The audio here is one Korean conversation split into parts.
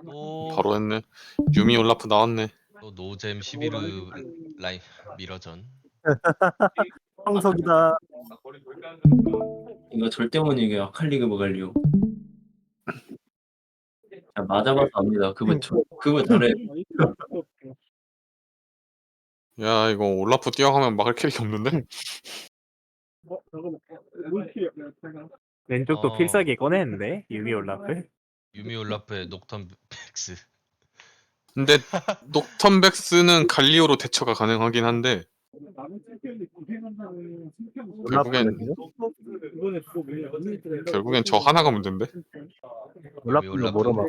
또, 바로 했네. 유미 올라프 나왔네. 또 노잼 11루 라인 미러전. 황석이다. 이거 절대 못 이겨. 아칼리그 먹으려고. 맞아봐서 압니다. 그거 잘해. 야 이거 올라프 뛰어가면 막을 캐릭이 없는데? 왼쪽도 어. 필살기 꺼냈는데 유미 올라프. 유미 올라프의 녹턴 백스. 근데 녹턴백스는 갈리오로 대처가 가능하긴 한데 결국엔 저 하나가 문제인데? 올라프는 뭐로 막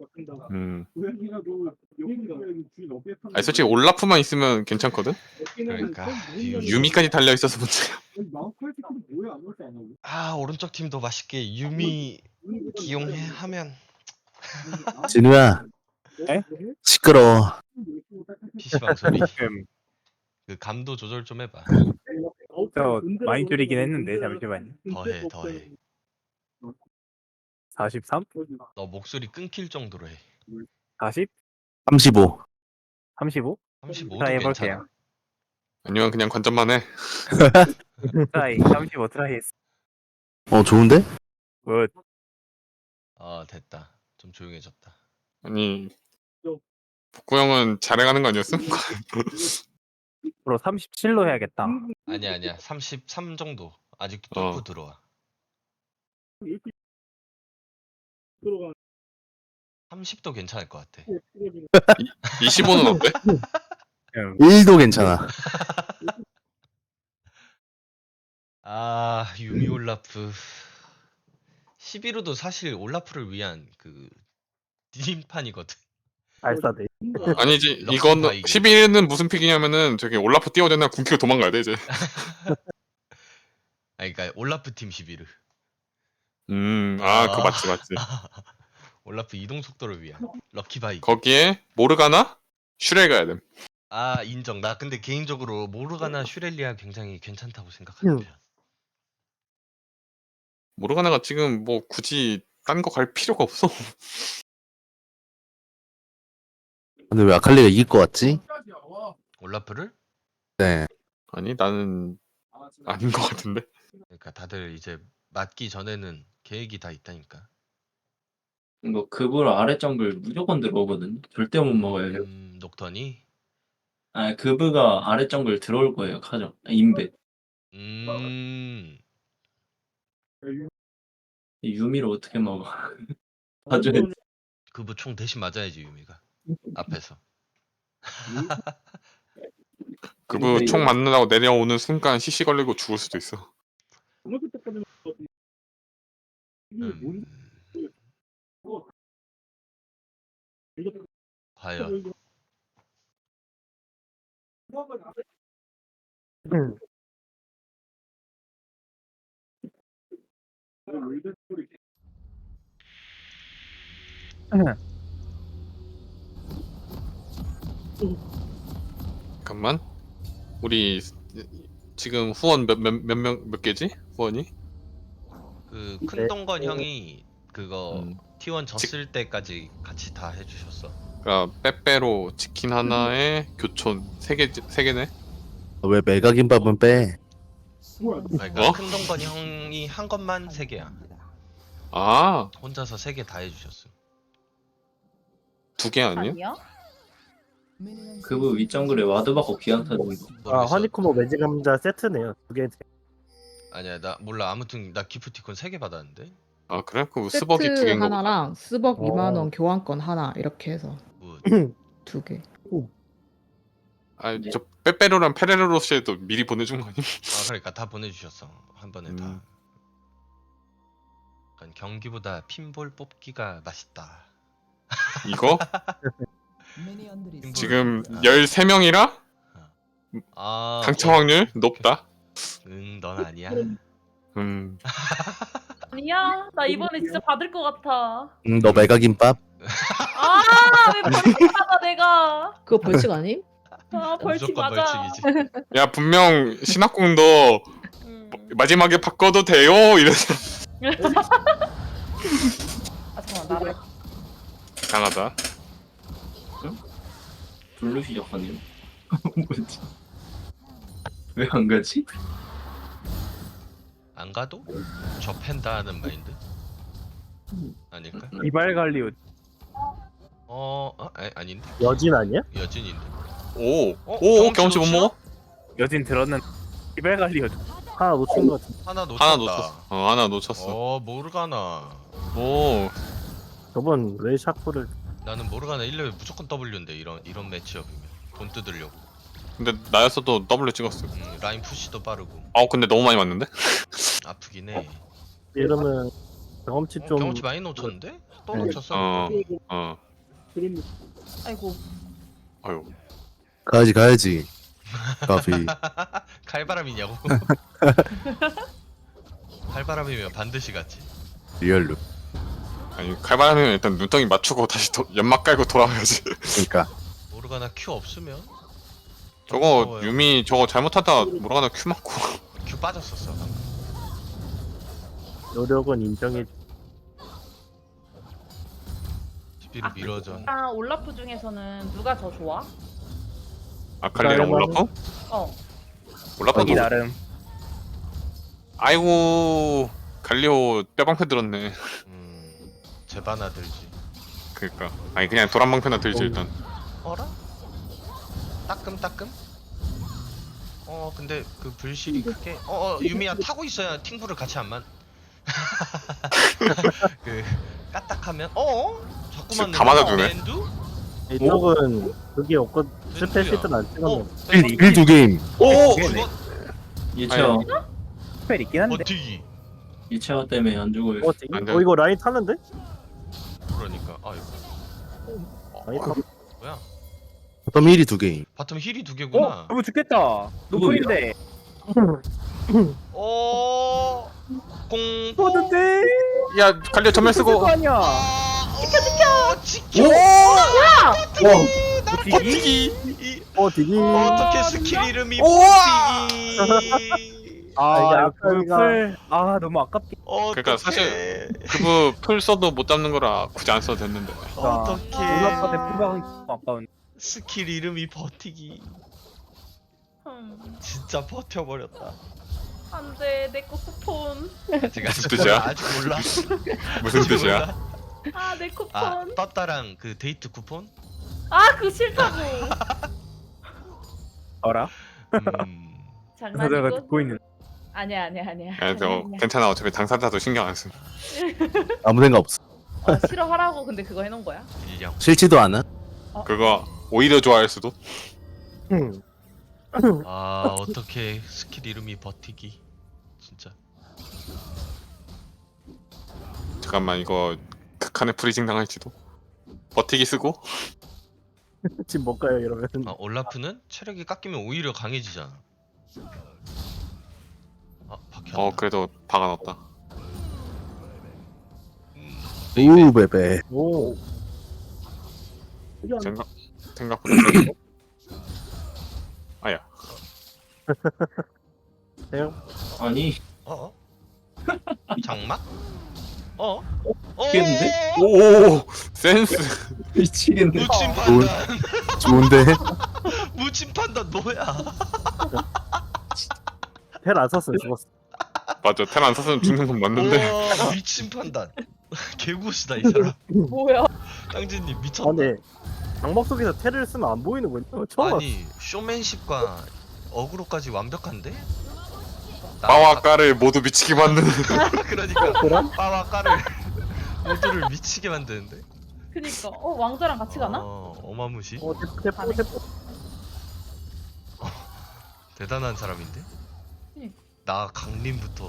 아니 솔직히 올라프만 있으면 괜찮거든? 그러니까 유미까지 달려있어서 문제야. 아 오른쪽 팀도 맛있게 유미 기용하면 진우야. 에? 시끄러워. PC방 소리. 음, 그 감도 조절 좀 해봐. 저 많이 줄이긴 했는데 잠시만요. 더해. 43? 너 목소리 끊길 정도로 해. 40? 35. 35? 35도 트라이 괜찮아. 해볼게요. 아니면 그냥 관전만 해. 트라이 35 트라이 했어. 좋은데? 굿. 됐다. 좀 조용해졌다. 아니 복구 형은 잘해가는 거 아니었음? 프로 37로 해야겠다. 아니야. 33 정도. 아직도 뚫고 들어와. 30도 괜찮을 것 같아. 25는 어때? 1도 괜찮아. 유미 올라프. 11호도 사실 올라프를 위한 그 디딤판이거든. 알싸대. 아니지 럭키 이건 바이그. 11은 무슨 픽이냐면은 저기 올라프 뛰어대나 군키고 도망가야 돼 이제. 그러니까 올라프 팀 11호. 그거 맞지. 올라프 이동 속도를 위한 럭키 바이그. 거기에 모르가나 슈렐 가야 돼. 인정. 나 근데 개인적으로 모르가나 슈렐리아 굉장히 괜찮다고 생각하는 편. 모르가나가 지금 뭐 굳이 딴 거 갈 필요가 없어. 근데 왜 아칼리가 이길 것 같지? 올라프를? 네. 아니 나는 아닌 것 같은데. 그러니까 다들 이제 맞기 전에는 계획이 다 있다니까. 이거 그불 아래 정글 무조건 들어오거든. 절대 못 먹어요. 녹턴이? 그브가 아래 정글 들어올 거예요. 카정. 인베. 유미를 어떻게 먹어? 나중에 그부 총 대신 맞아야지 유미가 앞에서. 그부 총 맞느라고 내려오는 순간 CC 걸리고 죽을 수도 있어. 과연 잠깐만. 우리 지금 후원 몇 개지? 후원이? 그 큰동건 형이 그거 T1 직- 졌을 때까지 같이 다 해주셨어. 그러니까 빼빼로 치킨 하나에 교촌 3개네? 왜 메가김밥은 빼? 그러니까 어? 큰동건 형이 한 것만 3개야. 아, 혼자서 3개 다 해주셨어. 2개 아니야? 아니야? 그브 윗정글에 와드 받고 기한타 주는 거. 모르겠어. 허니콤보 매직 감자 세트네요. 두 개. 아니야 나 몰라. 아무튼 나 기프티콘 3개 받았는데. 아 그래? 그 스벅이 2개인 세트 거 보다. 하나랑 스벅 어. 2만 원 교환권 하나 이렇게 해서 굿. 2개. 저 빼빼로랑 페레로로시에도 미리 보내준 거 아님? 그러니까 다 보내주셨어. 한 번에 다. 그러니까 경기보다 핀볼 뽑기가 맛있다. 이거? 핀볼 지금 뽑기. 13명이라 당첨 확률 높다. 넌 아니야. 아니야? 나 이번에 진짜 받을 것 같아. 너 메가김밥? 왜 벌칙 받아 내가? 그거 벌칙 아님? 벌칙 무조건 맞아. 벌칙이지. 야 분명 신학궁도 음. 마지막에 바꿔도 돼요 이래서 잠깐만 나를. 강하다. 블루시 작가님. 뭐지? 왜 안 가지? 안 가도 접한다 하는 마인드? 아닐까? 이발 갈리오 아닌데? 여진 아니야? 여진인데. 오, 경험치 경험치 못 놓치나? 먹어? 여진 들었는 이발 갈리오 하나 놓친 것 같은데. 하나 놓쳤다. 하나 놓쳤어. 하나 놓쳤어. 모르가나. 오, 저번 왜 샤프를 나는 모르가나 1레벨 무조건 W인데 이런 매치업이면 돈 뜯으려고. 근데 나였어도 W 찍었어. 라인 푸시도 빠르고. 근데 너무 많이 맞는데? 아프긴 해. 이러면 경험치 좀 경험치 많이 놓쳤는데? 또 네. 놓쳤어. 아이고. 아유. 가야지. 까비. 칼바람이냐고? 칼바람이면 반드시 갔지. 리얼로. 아니 칼바람이면 일단 눈덩이 맞추고 다시 연막 깔고 돌아와야지. 그러니까. 모르가나 Q 없으면 저거 무서워요. 유미 저거 잘못하다 모르가나 Q 맞고. Q 빠졌었어 방금. 노력은 인정해. 스피를 밀어줘. 올라프 중에서는 누가 더 좋아? 아칼리랑 올라프? 어. 올라프도. 이 나름 아이고 갈리오 뼈방패 들었네. 제바나 들지. 그니까 아니 그냥 도란방패나 들지 일단. 어라? 따끔따끔? 근데 그 불실이 크게 유미야 타고 있어야 팅부를 같이 안 만. 그 까딱하면 자꾸만 다 맞아주네. 랜두? 이쪽은 그게 없고 스페 시트는 안 찍었네. 1두 게임. 오! 죽어? 예체어. 스펠 있긴 한데 버티기. 예체어 때문에 안 죽어요. 안 돼. 이거 라인 탔는데? 그러니까 아이고 라인 탔. 뭐야? 어떤 1이 2 게임. 바텀 힐이 2개구나. 너무 죽겠다 노플인데 공포. 어딘데 야 갈리오 전멸 쓰고. 거 아니야 지켜. 버티기 버티기. 디기. 어떻게 스킬 이름이 우와! 버티기? 아 이게 이거 아칼리가- 풀 너무 아깝게 그러니까 사실 그부 풀 써도 못 잡는 거라 굳이 안 써도 됐는데. 어떻게 올라프한테 풀박은 아까운 스킬 이름이 버티기? 진짜 버텨버렸다. 안돼 내 거 쿠폰. 아직 무슨 뜻이야? 아직 몰라. 무슨 아직 뜻이야? 아 내 쿠폰. 떴다랑 그 데이트 쿠폰? 그거 싫다고. 어라? 장난이고. 내가 듣고 있는 아니야. 아니 저 괜찮아 어차피 당사자도 신경 안 써. 아무 생각 없어. 싫어하라고 근데 그거 해놓은 거야? 일령. 싫지도 않아. 그거 오히려 좋아할 수도. 어떻게 스킬 이름이 버티기? 진짜. 잠깐만 이거 극한의 프리징 당할지도. 버티기 쓰고. 지금 못 가요 이러면. 올라프는 체력이 깎이면 오히려 강해지잖아. 박혔다. 그래도 박아놨다. 오 베베. 오. 생각보다. 그래도. 아야. 아니 장막? 미치겠는데? 오 센스. 미치겠네. 무침 판단. 좋은데. 무침 판단 뭐야? 텔안 썼으면 죽었어. 맞아 텔 안 썼으면 죽는 건 맞는데. 우와, 미친 판단. 개구시다 이 사람. 뭐야? 땅진님 미쳤다. 근데 장막 속에서 텔을 쓰면 안 보이는 거냐? 처음 봤어. 아니 쇼맨십과 어그로까지 완벽한데? 빠와 까를 모두 미치게 만드는. 그러니까 빠와 까를 모두를 미치게 만드는데? 그니까 왕자랑 같이 가나? 어마무시. 대포. 대단한 사람인데? 나 강림부터.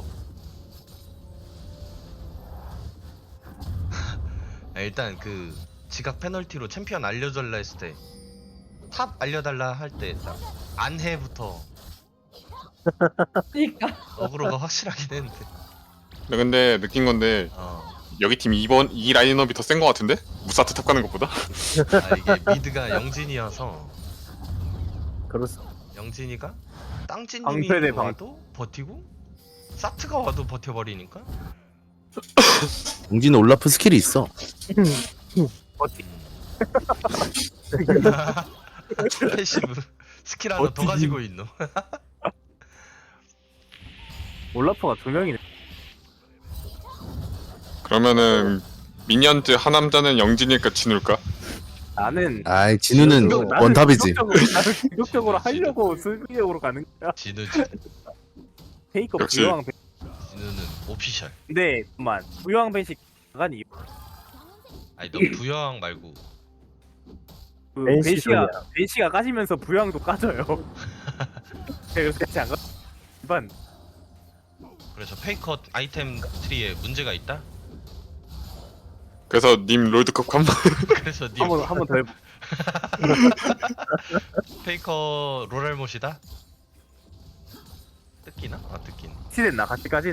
일단 그 지각 페널티로 챔피언 알려달라 했을 때 탑 알려달라 할 때 안해부터 그니까. 어그로가 확실하긴 했는데. 근데 느낀 건데 여기 팀 이 라인업이 더 센 거 같은데? 무사트 탑 가는 것보다? 이게 미드가 영진이어서 그렇어. 영진이가 땅진님이 방패대 방. 와도 버티고 사트가 와도 버텨버리니까. 용진은 올라프 스킬이 있어. 어떻게 패시브 스킬 하나 더 어찌- 가지고 있노. 올라프가 두 명이네. 그러면은 미니언즈 하남자는 영진일까 진울까? 나는 아이 진우는 나는 원탑이지. 나는 기록적으로 하려고 수비적으로 가는 거야. 진우지. 페이커 역시. 부여왕 배. 진우는 오피셜. 근데 그만 부여왕 배식 나간 이유. 아니 너 부여왕 말고 그 NC 배시가 까지면서 부여왕도 까져요. 그래서 같이 안 가. 일반 그래서 페이커 아이템 트리에 문제가 있다? 그래서 님 롤드컵 한번 그래서 니 한번 더 해보. 페이커 롤알못이다? 뜯기나? 아 뜯긴. 시됐나 같이까지.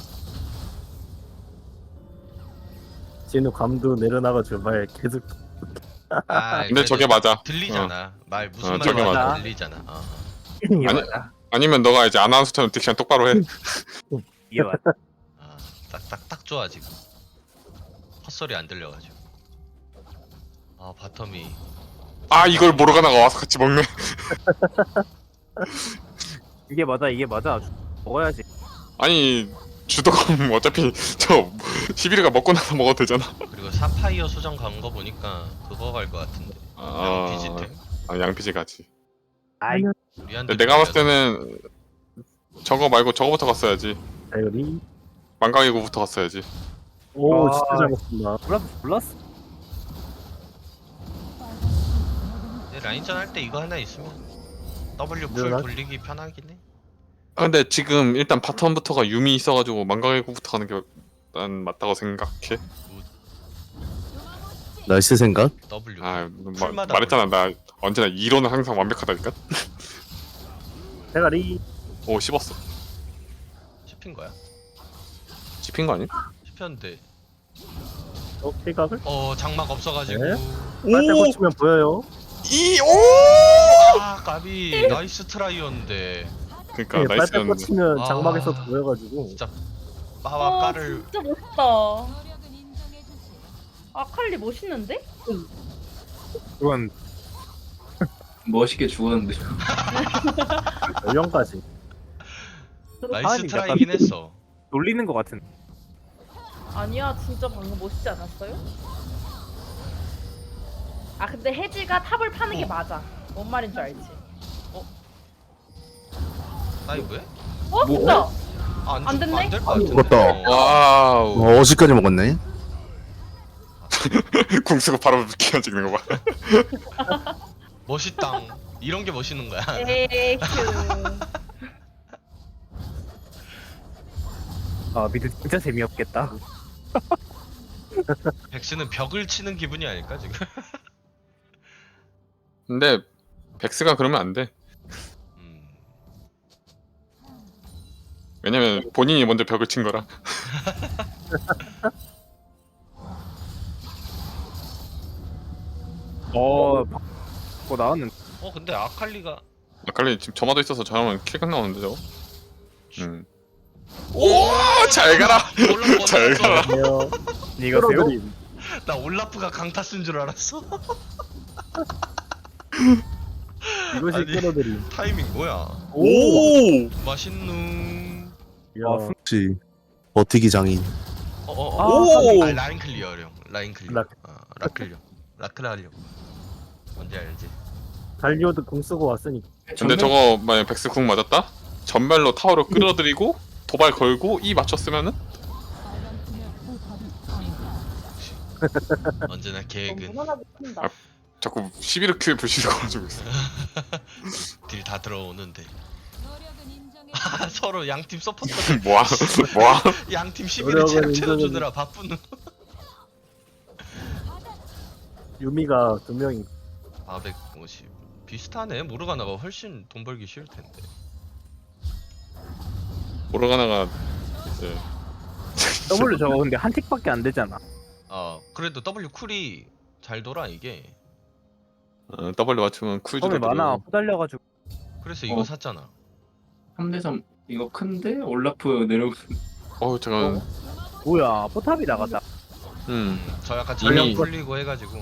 진우 감도 내려나가지고 말 계속 아 근데 저게 맞아. 들리잖아. 말 무슨 어, 말인지 저게 맞아. 들리잖아. 어. 이게 아니- 맞아. 아니면 너가 이제 아나운서처럼 딕션 똑바로 해. 이게 맞아. 아, 딱 좋아 지금. 헛소리 안 들려가지고. 아 바텀이 아 이걸 모르가나가 와서 같이 먹네. 이게 맞아. 먹어야지. 아니 주도금 어차피 저 11위가 먹고 나서 먹어도 되잖아. 그리고 사파이어 수정 간 거 보니까 그거 갈 것 같은데. 비지템. 아 양피지 가지. 아이 우리한테 근데 내가 봤을 때는 저거 말고 저거부터 갔어야지. 다이어리. 망강이구부터 갔어야지. 오 아. 진짜 잘 먹습니다. 몰랐어. 근데 라인전 할 때 이거 하나 있으면 W 풀 늘어나? 돌리기 편하긴 해. 아, 근데 지금 일단 바텀부터가 유미 있어가지고 망강이구부터 가는 게 난 맞다고 생각해. 날씨 생각? W. 아 풀마다 말했잖아 나 언제나 이론은 항상 완벽하다니까. 대가리. 오 씹었어. 씹힌 거야? 씹힌 거 아니야? 씹혔는데 킬각을. 장막 없어가지고. 네. 빨대 고치면 보여요. 아 까비 나이스 트라이였는데 그러니까 네, 빨대 나이스였는데. 고치면 아. 장막에서 보여가지고. 진짜 빠와 아 까를 진짜 멋있다. 아칼리 멋있는데? 그건 멋있게 죽었는데. 연령까지. 나이스 하은이 트라이긴 했어. 놀리는 것 같은. 아니야 진짜 방금 멋있지 않았어요? 아 근데 해지가 탑을 파는 게 맞아. 뭔 말인 줄 알지? 다이브해? 진짜? 안 됐네? 안될 것 같은데. 죽었다. 와우. 어시까지 먹었네. 궁수가 바로 기어 찍는 거 봐. 멋있당. 이런 게 멋있는 거야. 에휴. 아 미드 진짜 재미없겠다. 백스는 벽을 치는 기분이 아닐까 지금? 근데 백스가 그러면 안 돼. 왜냐면 본인이 먼저 벽을 친 거라. 바꿔 나왔는데. 근데 아칼리가 아칼리 지금 점화도 있어서 저러면 킬각 나오는데 저거. 오잘 가라. 올라프 잘 어디 가라. 갔어? 안녕. 이거세요? 끌어들임. 나 올라프가 강타 쓴 줄 알았어. 이것이 아니. 끌어들임. 타이밍 뭐야? 오. 맛있는. 야. 혹시 버티기 장인. 오! 라인 클리어령. 라인 클리어. 락. 라클리어. 라클리어. 뭔지 알지? 달리오드 공 쓰고 왔으니까. 근데 저거 만약 백스 궁 맞았다? 전멸로 타워를 끌어들이고 도발 걸고 이 맞췄으면은 언제나 계획은 무난하게 큰다. 자꾸 11킬 불씨를 걸어주고 있어. 딜 다 들어오는데. 서로 양팀 서포터 뭐야? 뭐야? 양팀 11을 노력은 체력 인정은- 채워주느라 바쁜. 유미가 2명이. 450 비슷하네. 모르가나가 훨씬 돈 벌기 쉬울 텐데. 모르가나가 이제 W 저거 근데 한 틱밖에 안 되잖아. 그래도 W 쿨이 잘 돌아 이게. W 맞추면 쿨 처음에 주도 만화 후달려가지고. 그래서 이거 어. 샀잖아. 3대3 이거 큰데? 올라프 내려오고. 잠깐 뭐야 포탑이 나갔다. 저 약간 이미- 전력 풀리고 해가지고.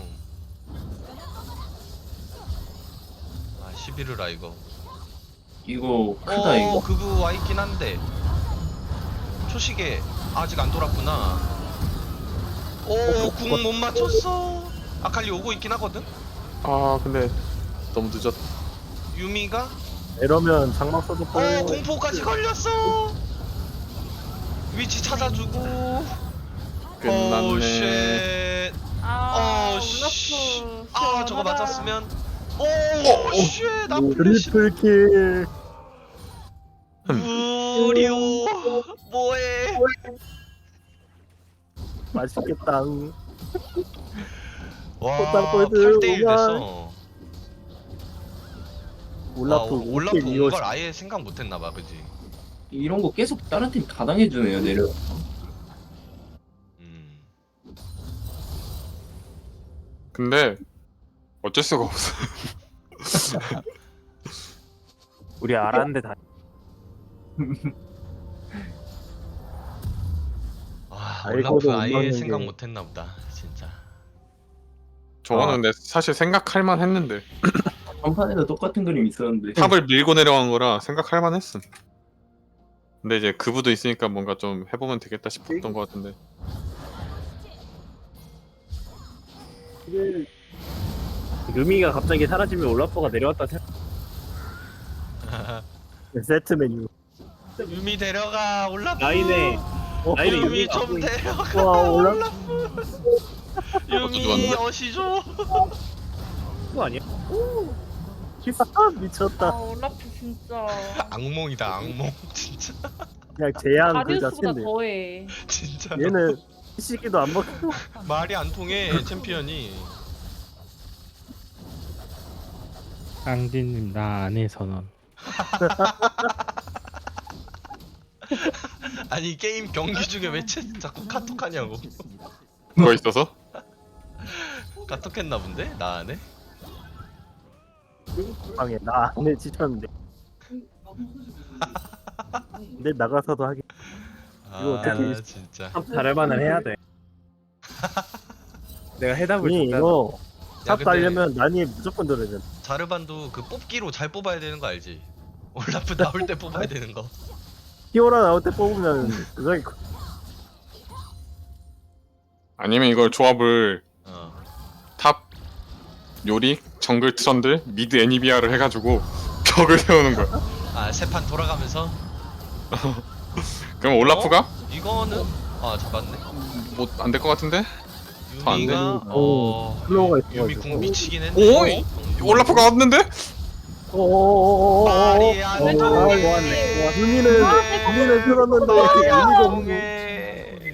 아 11르라 이거. 이거 크다 이거. 그거 와 있긴 한데 초시계 아직 안 돌았구나. 궁 못 맞췄어. 아칼리 오고 있긴 하거든. 아 근데 너무 늦었. 유미가 이러면 장막 써도 뻔. 공포까지 걸렸어. 위치 찾아주고. 끝났네. 쉣. 아 씨. 올라프. 아 저거 시원하다. 맞았으면. 쉣. 나 플래시. 트리플킬. 우리오 뭐해? 맛있겠다. 와 꽃다발 꼴드 8대1 오만. 됐어. 올라프 올라프 온 5킬 걸 아예 생각 못했나봐, 그지? 이런 거 계속 다른 팀 다 당해주네요 내려. 근데 어쩔 수가 없어. 우리 알았는데 다. 아 알고도 올라프 못 아예 넣는 생각 게. 못했나보다, 진짜. 저거는 근데 사실 생각할 만했는데 전판에도 똑같은 그림 있었는데. 탑을 밀고 내려간 거라 생각할 만했음. 근데 이제 그부도 있으니까 뭔가 좀 해보면 되겠다 싶었던 것 같은데. 루미가 갑자기 사라지면 올라프가 내려왔다 생각. 세트 메뉴. 유미 데려가 올라프. 라인에 라인에 유미 유미가 좀 데려가. 와 올라. 유미 좋았네. 어시죠. 그거 아니야? 키스 아 미쳤다. 올라프 진짜. 악몽이다 악몽 진짜. 그냥 제한 그 다리우스보다 자체인데. 더해. 진짜 얘는 시기도 안 먹고. 말이 안 통해 챔피언이. 깡디님 나 안해 선언. 아니 게임 경기 중에 왜 자꾸 카톡하냐고. 그거 있어서? 카톡했나 본데? 나 안해? 방에 나 안에 지쳤는데. 근데 나가서도 하긴. 이거 아 어떻게- 진짜. 잘할만은 해야 돼. 내가 해답을 아니 줬잖아. 이거 야, 탑 근데 가려면 난이 무조건 들어야 돼. 자르반도 그 뽑기로 잘 뽑아야 되는 거 알지? 올라프 나올 때 뽑아야 되는 거. 히오라 나올 때 뽑으면 그거 아니면 이걸 조합을 어. 탑 요리, 정글 트런들, 미드 애니비아를 해가지고 벽을 세우는 거야. 아 세 판 돌아가면서 그럼 올라프가 이거는 맞네. 뭐 안 될 것 같은데? 더안 돼? 유미가 플로우가 유미 있어가지고. 궁 미치긴 오! 했네. 올라프가 왔는데? 오오오오오. 말이 안 오, 통해. 좋았네. 유미는 들었는데 말이 안 유미가 없는. 통해.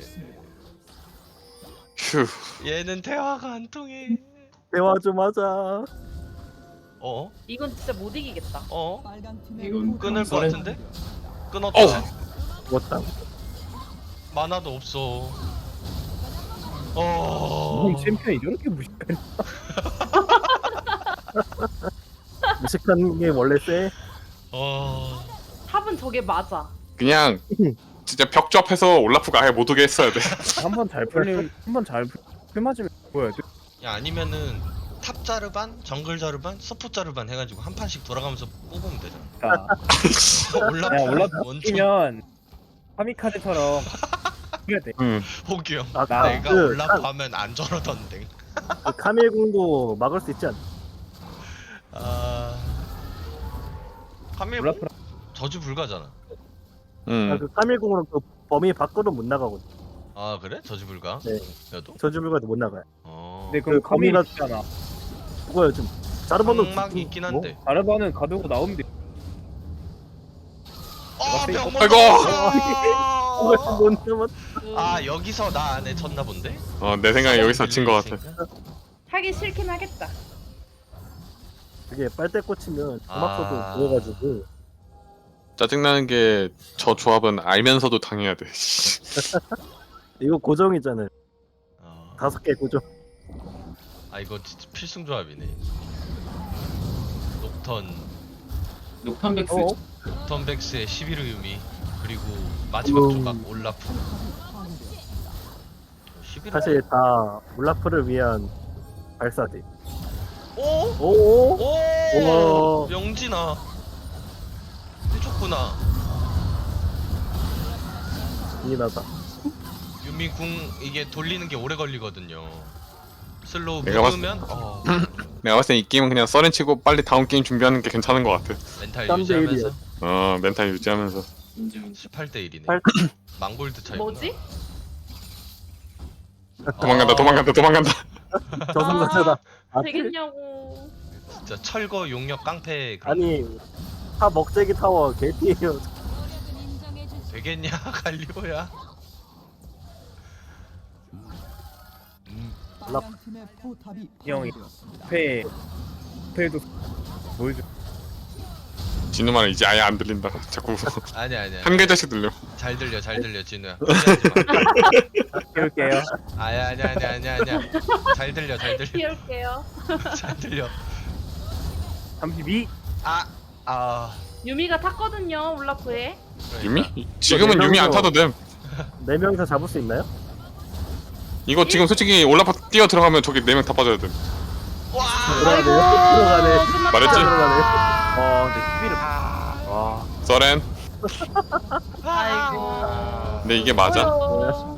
휴. 얘는 대화가 안 통해. 대화 좀 하자. 이건 진짜 못 이기겠다. 이건 끊을 것 썰은- 같은데? 끊었다. 죽었다. 만화도 없어. 형 챔피언이 저렇게 무식해. 무식한 게 원래 세. 탑은 저게 맞아. 그냥 진짜 벽 조합해서 올라프가 아예 못 오게 했어야 돼. 한번 잘 풀리면 한번잘 맞으면 뭐야? 야 아니면은 탑 자르반, 정글 자르반, 서포 자르반 해가지고 한 판씩 돌아가면서 뽑으면 되잖아. 올라프 원투 뛰면 파미카드처럼 해야 돼. 호기 형. 아, 내가 그 올라프 하면 안 저러던데. 그 카밀궁도 막을 수 있지 않나? 카밀 올라프 저주 불가잖아. 그 카밀궁으로 그 범위 밖으로 못 나가거든. 아 그래? 저주 불가? 네. 여도? 저주불가도 못 나가요. 근데 그럼 그 카밀이 거미가- 있잖아. 그거요 좀. 자르반도 방막이 있긴 한데. 다르바는 가두고 나오면 돼. 병 아이고! 그거 못 남았. 아 여기서 나 안에 쳤나 본데? 내 생각에 여기서 친 것 같아. 하기 싫긴 하겠다. 그게 빨대 꽂히면 주막서도 아. 보여가지고 짜증나는 게 저 조합은 알면서도 당해야 돼. 이거 고정이잖아요. 5개 고정. 아 이거 진짜 필승 조합이네. 녹탄백스. 녹턴백스의 11호 유미 그리고 마지막 조각 올라프. 11월. 사실 다 울라프를 위한 발사대. 오! 오. 오! 오. 명진아. 해줬구나. 이나다. 유미 궁 이게 돌리는 게 오래 걸리거든요. 슬로우 내가 봤- 묻으면 내가 봤을 땐 이 게임은 그냥 썰렌 치고 빨리 다음 게임 준비하는 게 괜찮은 것 같아. 멘탈 3대 유지하면서 멘탈 유지하면서. 인증. 18대 1이네. 8 망골드 차이구나. 뭐지? 도망간다. 저승사자다. 아, 되겠냐고. 진짜 철거 용역 깡패 그런 아니 타 먹재기 타워 개띠예요. 되겠냐 갈리오야. 이 형이 회도 보여줘. 진우 말은 이제 아예 안 들린다. 자꾸 아니야. 한 글자씩 들려. 잘 들려 진우야. 포기하지 마. 키울게요. 아니야. 잘 들려. 키울게요. 잘 들려. 32. 유미가 탔거든요 울라프에. 그러니까. 유미? 지금은 유미 안 타도 됨. 4명이서 잡을 수 있나요? 이거 지금 솔직히 올라파 뛰어 들어가면 저기 4명 다 빠져야 돼. 와! 들어가네. 끝났다. 말했지? 들어가네. 근데 11을 와. 써렌. 아이고. 근데 이게 맞아? 어려워.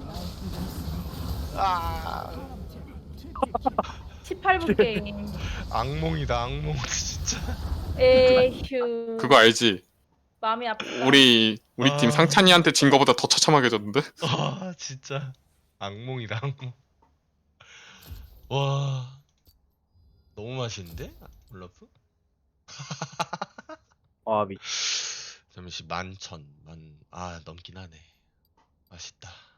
18분 게임. 악몽이다 악몽 진짜. 에휴. 그거 알지? 마음이 아프다. 우리 팀 상찬이한테 진 거보다 더 처참하게 졌는데? 진짜 악몽이다 악몽. 와 너무 맛있는데 올라프? 와 미. 잠시 11,000 넘긴 하네. 맛있다.